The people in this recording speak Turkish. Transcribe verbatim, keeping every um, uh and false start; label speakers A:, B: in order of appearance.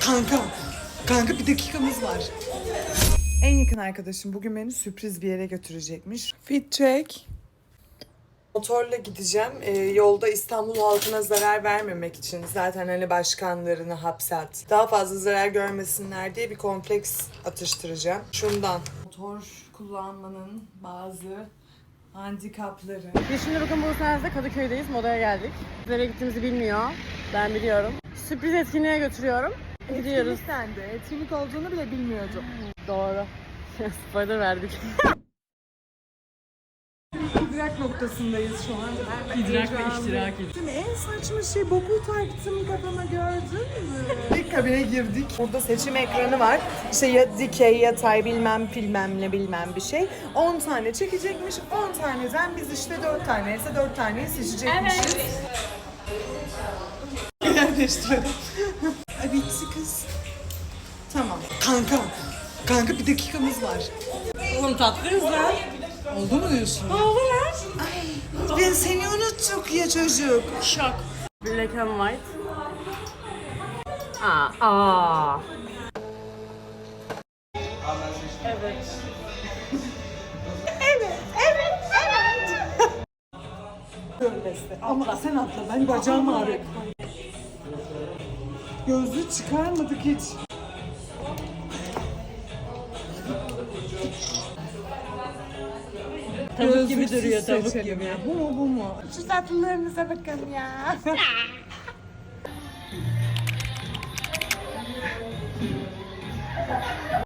A: Kanka, kanka bir dakikamız var. En yakın arkadaşım bugün beni sürpriz bir yere götürecekmiş. Fit check. Motorla gideceğim. Ee, yolda İstanbul halkına zarar vermemek için. Zaten hani başkanlarını hapse at. Daha fazla zarar görmesinler diye bir kompleks atıştıracağım. Şundan. Motor kullanmanın bazı handikapları.
B: Biz şimdi bugün Bursa'da Kadıköy'deyiz. Modaya geldik. Nereye gittiğimizi bilmiyor. Ben biliyorum. Sürpriz etkinliğe götürüyorum. Gidiyoruz.
A: Sen de etkinlik olduğunu bile bilmiyordum.
B: Doğru. Spoiler verdik.
A: İdrak noktasındayız şu an. Ben
B: İdrak ve
A: heyecanlıyım.
B: iştirak ediyoruz.
A: Şimdi en saçma şey boku taktım kafama, gördün mü? İlk kabine girdik. Burada seçim ekranı var. İşte ya dikey, yatay bilmem bilmem ne bilmem bir şey. on tane çekecekmiş. on taneden biz işte dört tane ise dört taneyi seçecekmişiz. Evet. Yerleştirelim. Ay bitti kız. Tamam. Kanka. Kanka bir dakikamız var.
B: Oğlum tatlıyız lan.
A: Oldu mu diyorsun?
B: Oldu lan.
A: Ay ben seni unuttuk ya çocuk.
B: Şok. Black and white. Aa. Aa. Evet.
A: Evet, evet, evet. Görmesi. Ama sen atla, ben bacağım ağrıyor. Gözlüğü çıkarmadık hiç.
B: Tavuk gibi
A: Gözlüksüz
B: duruyor, tavuk
A: seçelim
B: gibi.
A: ya. Bu mu bu mu? Şu tatlılarınıza bakın ya.